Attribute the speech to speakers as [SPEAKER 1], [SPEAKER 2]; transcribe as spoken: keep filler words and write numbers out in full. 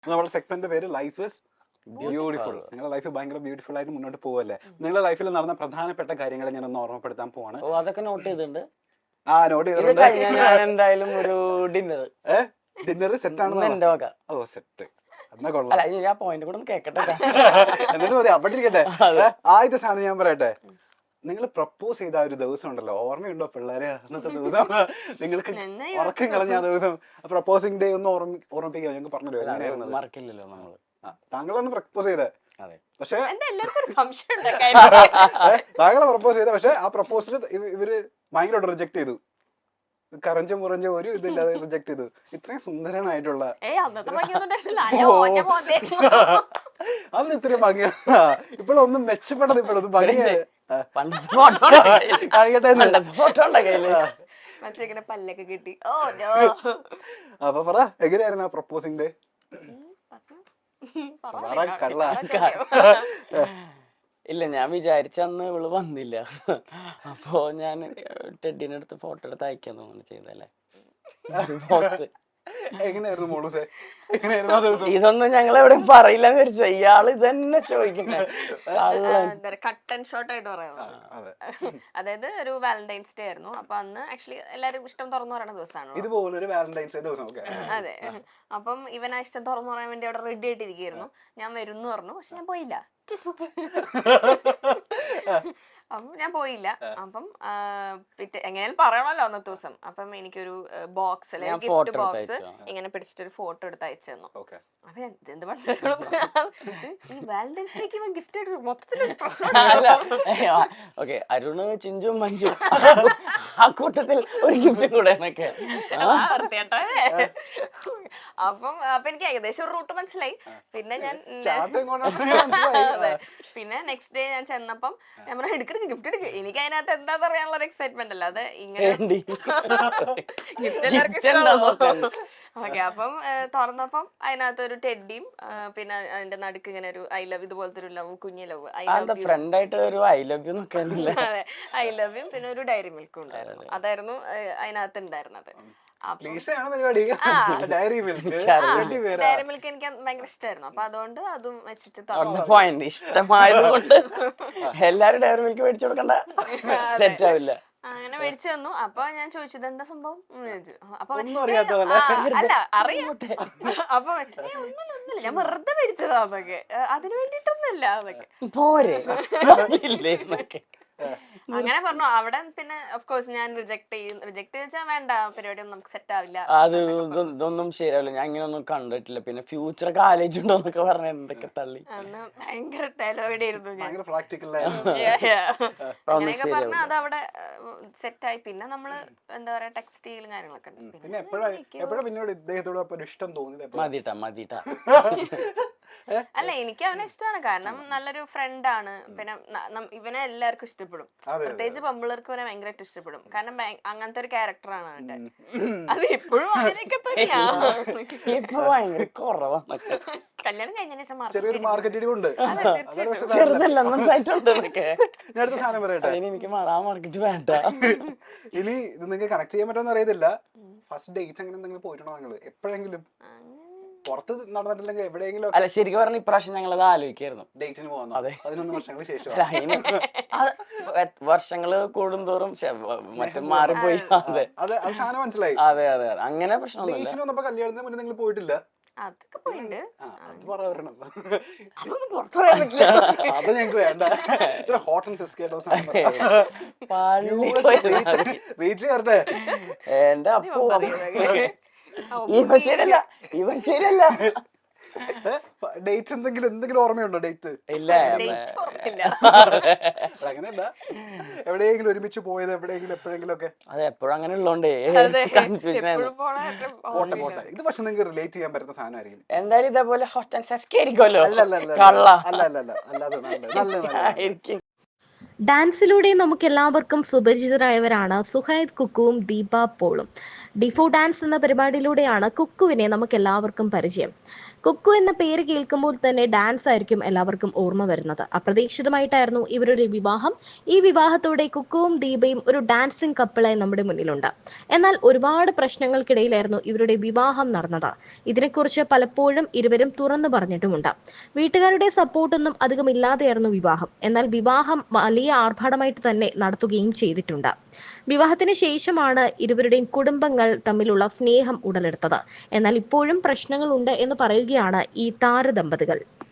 [SPEAKER 1] നമ്മുടെ സെഗ്മെന്റ് പേര് life is beautiful. നിങ്ങളുടെ ലൈഫ് ഭയങ്കര ബ്യൂട്ടിഫുൾ ആയിട്ട് മുന്നോട്ട് പോവല്ലേ? നിങ്ങളുടെ ലൈഫിൽ നടന്ന പ്രധാനപ്പെട്ട കാര്യങ്ങൾ ഞാൻ ഒന്ന് ഓർമ്മപ്പെടുത്താൻ പോവാണ്.
[SPEAKER 2] ഓ അതൊക്കെ നോട്ട് ചെയ്തിട്ടുണ്ട്.
[SPEAKER 1] ആ നോട്ട് ചെയ്തിട്ടുണ്ട്.
[SPEAKER 2] ഞാൻ എന്തായാലും ഒരു ഡിന്നർ
[SPEAKER 1] ഏഹ് ഡിന്നർ സെറ്റ് ആണ്
[SPEAKER 2] എന്റെ വക.
[SPEAKER 1] ഓ സെറ്റ് എന്നാ കൊള്ളാം.
[SPEAKER 2] അല്ല ഞാൻ പോയിന്റ് കൂടെ ഒന്ന് കേക്കട്ടെ.
[SPEAKER 1] എന്നിട്ട് മതി അവിടെ ഇരിക്കട്ടെ. ആദ്യത്തെ സാധനം ഞാൻ പറയട്ടെ, നിങ്ങൾ പ്രപ്പോസ് ചെയ്ത ആ ഒരു ദിവസം ഉണ്ടല്ലോ, ഓർമ്മയുണ്ടോ പിള്ളേരെ? അന്നത്തെ ദിവസം നിങ്ങൾക്ക് ഉറക്കം കളഞ്ഞ ആ ദിവസം പ്രപ്പോസിംഗ് ഡേ ഒന്ന് ഓർമ്മ ഓർമ്മിപ്പിക്കുക. ഞങ്ങൾക്ക് പറഞ്ഞല്ലോ എങ്ങനെയായിരുന്നു?
[SPEAKER 2] മറക്കില്ലല്ലോ നമ്മള്.
[SPEAKER 1] താങ്കളാണ് പ്രപ്പോസ് ചെയ്തത്. പക്ഷെ താങ്കളെ പ്രപ്പോസ് ചെയ്ത, പക്ഷെ ആ പ്രപ്പോസൽ ഇവര് ഭയങ്കരമായിട്ട് റിജക്ട് ചെയ്തു. കറഞ്ച മുറഞ്ച ഒരു ഇതില്ലാതെ റിജക്ട് ചെയ്തു. ഇത്രയും സുന്ദരനായിട്ടുള്ള അന്ന് ഇത്രയും ഭംഗിയാണ്. ഇപ്പോഴൊന്നും മെച്ചപ്പെട്ടത്, ഇപ്പോഴൊന്നും ഭംഗിയായി
[SPEAKER 3] പല്ലൊക്കെ കിട്ടി.
[SPEAKER 1] അപ്പൊ പറ എങ്ങനെയായിരുന്നു ആ പ്രപ്പോസിംഗ് ഡേ?
[SPEAKER 2] ഇല്ല ഞാൻ വിചാരിച്ചന്ന് ഇവള് വന്നില്ല. അപ്പൊ ഞാൻ ടെഡിനെ അടുത്ത് ഫോട്ടോ എടുത്ത് അയക്കാൻ തോന്നുന്നു ചെയ്തല്ലേ ബോക്സ്.
[SPEAKER 1] എങ്ങനെയായിരുന്നു മോളൂസേ? എങ്ങനെയായിരുന്നു ആ ദിവസം?
[SPEAKER 2] ഇതൊന്നും ഞങ്ങൾ എവിടെയും പറയില്ലെന്ന് വിചാരിച്ച ഇയാള് ഇതന്നെ ചോദിക്കുന്നത്.
[SPEAKER 3] കട്ട് ആൻഡ് ഷോർട്ട് ആയിട്ട് പറയാം. അതായത് ഒരു വാലന്റൈൻസ് ഡേ ആയിരുന്നു. അപ്പൊ അന്ന് ആക്ച്വലി എല്ലാരും ഇഷ്ടം തുറന്നു പറയുന്ന ദിവസമാണ്.
[SPEAKER 1] ഇതുപോലെ ഒരു വാലന്റൈൻസ് ഡേ ദിവസം.
[SPEAKER 3] അതെ. അപ്പം ഇവൻ ആ ഇഷ്ടം തുറന്നു പറയാൻ വേണ്ടി അവിടെ റെഡി ആയിട്ടിരിക്കുന്നു. ഞാൻ വരും എന്ന് പറഞ്ഞു, പക്ഷെ ഞാൻ പോയില്ല. അപ്പം ഞാൻ പോയില്ല. അപ്പം പിറ്റേ എങ്ങനെയാലും പറയണല്ലോ അന്നത്തെ ദിവസം. അപ്പം എനിക്കൊരു ബോക്സ് അല്ലെ ഗിഫ്റ്റ് ബോക്സ് ഇങ്ങനെ പിടിച്ചിട്ടൊരു ഫോട്ടോ എടുത്ത് അയച്ചു തന്നു. അപ്പൊ ഞാൻ എന്ത് വാലന്റൈൻസ് ഡേക്ക് ഗിഫ്റ്റ് ആയിട്ട് മൊത്തത്തിൽ പ്രശ്നം.
[SPEAKER 2] അരുണ് ചിഞ്ചും മഞ്ജു ആ കൂട്ടത്തിൽ ഒരു ഗിഫ്റ്റും കൂടെ എന്നൊക്കെ.
[SPEAKER 3] അപ്പം അപ്പൊ എനിക്ക് ഏകദേശം ഒരു റൂട്ട് മനസ്സിലായി. പിന്നെ ഞാൻ പിന്നെ നെക്സ്റ്റ് ഡേ ഞാൻ ചെന്നപ്പം ഞാൻ പറഞ്ഞ എടുക്ക ഗിഫ്റ്റ് എടുക്കുക. എനിക്ക് അതിനകത്ത് എന്താ പറയാനുള്ള ഒരു എക്സൈറ്റ്മെന്റ് അല്ല, അത് ഇങ്ങനെ ഗിഫ്റ്റ് എല്ലാവർക്കും. ഓക്കെ. അപ്പം തുറന്നപ്പം അതിനകത്ത് ഒരു ടെഡിയും പിന്നെ അതിന്റെ നടുക്ക് ഇങ്ങനെ ഒരു ഐ ലവ് ഇതുപോലത്തെ ഒരു ലവ്, കുഞ്ഞു ലവ്, ഐ ലവ്
[SPEAKER 2] ഫ്രണ്ട് ആയിട്ട് ഒരു ഐ ലവ് യു
[SPEAKER 3] അതെ ഐ ലവ് യും പിന്നെ ഒരു ഡയറി മിൽക്കും ഉണ്ടായിരുന്നു. അതായിരുന്നു അതിനകത്ത് ഉണ്ടായിരുന്നത്. ഡയറി മിൽക്ക് എനിക്ക് ഭയങ്കര ഇഷ്ടമായിരുന്നു. അപ്പൊ അതുകൊണ്ട് അതും വെച്ചിട്ട്
[SPEAKER 2] ഇഷ്ടമായത് കൊണ്ട് എല്ലാരും ഡയറി മിൽക്ക് മേടിച്ചു കൊടുക്കണ്ട, സെറ്റ് ആവില്ല.
[SPEAKER 3] അങ്ങനെ മേടിച്ചു തന്നു. അപ്പൊ ഞാൻ ചോദിച്ചത് എന്താ സംഭവം ചോദിച്ചു. അപ്പൊ അല്ല അറിയാട്ടെ. അപ്പൊ ഒന്നുമില്ല, ഞാൻ വെറുതെ മേടിച്ചതാന്നൊക്കെ, അതിന് വേണ്ടിട്ടൊന്നുമില്ല അതൊക്കെ
[SPEAKER 2] പോരെ.
[SPEAKER 3] അങ്ങനെ പറഞ്ഞു. അവിടെ പിന്നെ ഓഫ് കോഴ്സ് ഞാൻ റിജക്ട് ചെയ്യും. റിജക്ട് വെച്ചാൽ വേണ്ട, പരിപാടി ഒന്നും നമുക്ക് സെറ്റ് ആവില്ല.
[SPEAKER 2] അത് ഇതൊന്നും ശരിയാവില്ല, ഞാൻ ഇങ്ങനെ ഒന്നും കണ്ടിട്ടില്ല. പിന്നെ ഫ്യൂച്ചറൊക്കെ ആലോചിച്ചിട്ടുണ്ടോന്നൊക്കെ പറഞ്ഞ എന്തൊക്കെ തള്ളി.
[SPEAKER 3] അന്ന് ഭയങ്കര ടെലോയിഡ് ആയിരുന്നു ഞാൻ. അങ്ങനെയൊക്കെ പറഞ്ഞ അത് അവിടെ സെറ്റ് ആയി. പിന്നെ നമ്മള് എന്താ പറയാ ടെക്സ്റ്റ് ചെയ്യലും കാര്യങ്ങളൊക്കെ ഉണ്ട്.
[SPEAKER 2] മതിട്ടാ മതിട്ടാ.
[SPEAKER 3] അല്ല എനിക്ക് അവനെ ഇഷ്ടമാണ്, കാരണം നല്ലൊരു ഫ്രണ്ട് ആണ്. പിന്നെ ഇവനെ എല്ലാവർക്കും ഇഷ്ടപ്പെടും, പ്രത്യേകിച്ച് പെമ്പിള്ളേർക്ക് അവനെ ഭയങ്കരമായിട്ട് ഇഷ്ടപ്പെടും. കാരണം അങ്ങനത്തെ ഒരു ക്യാരക്ടറാണ് അവന്റെ. അത് ഇപ്പോഴും അവനൊക്കെ തന്നെയാണ്. കല്യാണം കഴിഞ്ഞതിന് ശേഷം
[SPEAKER 2] എനിക്ക് മാർക്കറ്റ് വേണ്ട.
[SPEAKER 1] ഇനി ഇത് നിങ്ങൾക്ക് കണക്ട് ചെയ്യാൻ പറ്റുമെന്ന് അറിയത്തില്ല. ഫസ്റ്റ് ഡേറ്റ് അങ്ങനെ എന്തെങ്കിലും പോയിട്ടുണ്ടോ നിങ്ങൾ എപ്പോഴെങ്കിലും? പുറത്ത് നടന്നിട്ടില്ലെങ്കിൽ എവിടെയെങ്കിലും?
[SPEAKER 2] അല്ല ശരിക്കും പറഞ്ഞ ഇപ്രാവശ്യം ഞങ്ങൾ അത് ആലോചിക്കായിരുന്നു
[SPEAKER 1] ഡേറ്റിന് പോകുന്നു. പതിനൊന്ന് വർഷങ്ങൾക്ക് ശേഷം.
[SPEAKER 2] വർഷങ്ങള് കൂടുന്തോറും മറ്റും മാറിപ്പോയി. അതെ
[SPEAKER 1] അതെ അത് സാധനം മനസ്സിലായി.
[SPEAKER 2] അതെ അതെ അങ്ങനെ പ്രശ്നമൊന്നുമില്ല.
[SPEAKER 1] കല്യാണത്തിന് മുന്നേ നിങ്ങൾ പോയിട്ടില്ല?
[SPEAKER 3] അതൊക്കെ പോയിട്ടുണ്ട്.
[SPEAKER 1] അത് പറയണം,
[SPEAKER 3] അതൊന്നും പുറത്തു പറയാൻ പറ്റില്ല.
[SPEAKER 1] അത് ഞങ്ങൾക്ക് വേണ്ട. ഹോട്ട് ആൻഡ് സിസ്കേട്ടോ റീച്ച് കയറട്ടെ.
[SPEAKER 2] എന്റെ അപ്പോ ഇവ ശരിയല്ല, ഇവ ശരിയല്ല.
[SPEAKER 1] ഡേറ്റ് എന്തെങ്കിലും എന്തെങ്കിലും ഓർമ്മയുണ്ടോ? ഡേറ്റ്
[SPEAKER 2] ഇല്ല
[SPEAKER 1] അങ്ങനെയല്ല, എവിടെയെങ്കിലും ഒരുമിച്ച് പോയത് എവിടെയെങ്കിലും എപ്പോഴെങ്കിലും ഒക്കെ?
[SPEAKER 2] അത് എപ്പോഴും അങ്ങനെ ഉള്ളോണ്ടേ കൺഫ്യൂഷൻ ആയിരുന്നു.
[SPEAKER 1] പോട്ടെ പോട്ടെ, ഇത് പക്ഷെ നിങ്ങൾക്ക് റിലേറ്റ് ചെയ്യാൻ പറ്റുന്ന സാധനമായിരിക്കും
[SPEAKER 2] എന്തായാലും. ഇതേപോലെ ഹോട്ട് ആൻഡ് സസ്കാരിക്കുമല്ലോ.
[SPEAKER 1] അല്ല അല്ല അല്ല അല്ല അല്ല അല്ലാതെ
[SPEAKER 2] ആയിരിക്കും.
[SPEAKER 4] ഡാൻസിലൂടെ നമുക്ക് എല്ലാവർക്കും സുപരിചിതരായവരാണ് സുഹൈദ് കുക്കുവും ദീപ പോളും. ഡിഫോ ഡാൻസ് എന്ന പരിപാടിയിലൂടെയാണ് കുക്കുവിനെ നമുക്ക് എല്ലാവർക്കും പരിചയം. കുക്കു എന്ന പേര് കേൾക്കുമ്പോൾ തന്നെ ഡാൻസ് ആയിരിക്കും എല്ലാവർക്കും ഓർമ്മ വരുന്നത്. അപ്രതീക്ഷിതമായിട്ടായിരുന്നു ഇവരുടെ വിവാഹം. ഈ വിവാഹത്തോടെ കുക്കുവും ദീപയും ഒരു ഡാൻസിംഗ് കപ്പിളായി നമ്മുടെ മുന്നിലുണ്ട്. എന്നാൽ ഒരുപാട് പ്രശ്നങ്ങൾക്കിടയിലായിരുന്നു ഇവരുടെ വിവാഹം നടന്നത്. ഇതിനെക്കുറിച്ച് പലപ്പോഴും ഇരുവരും തുറന്നു പറഞ്ഞിട്ടുമുണ്ട്. വീട്ടുകാരുടെ സപ്പോർട്ടൊന്നും അധികം ഇല്ലാതെയായിരുന്നു വിവാഹം. എന്നാൽ വിവാഹം വലിയ ആർഭാടമായിട്ട് തന്നെ നടത്തുകയും ചെയ്തിട്ടുണ്ട്. വിവാഹത്തിന് ശേഷമാണ് ഇരുവരുടെയും കുടുംബങ്ങൾ തമ്മിലുള്ള സ്നേഹം ഉടലെടുത്തത്. എന്നാൽ ഇപ്പോഴും പ്രശ്നങ്ങളുണ്ട് എന്ന് പറയുകയാണ് ഈ താരദമ്പതികൾ.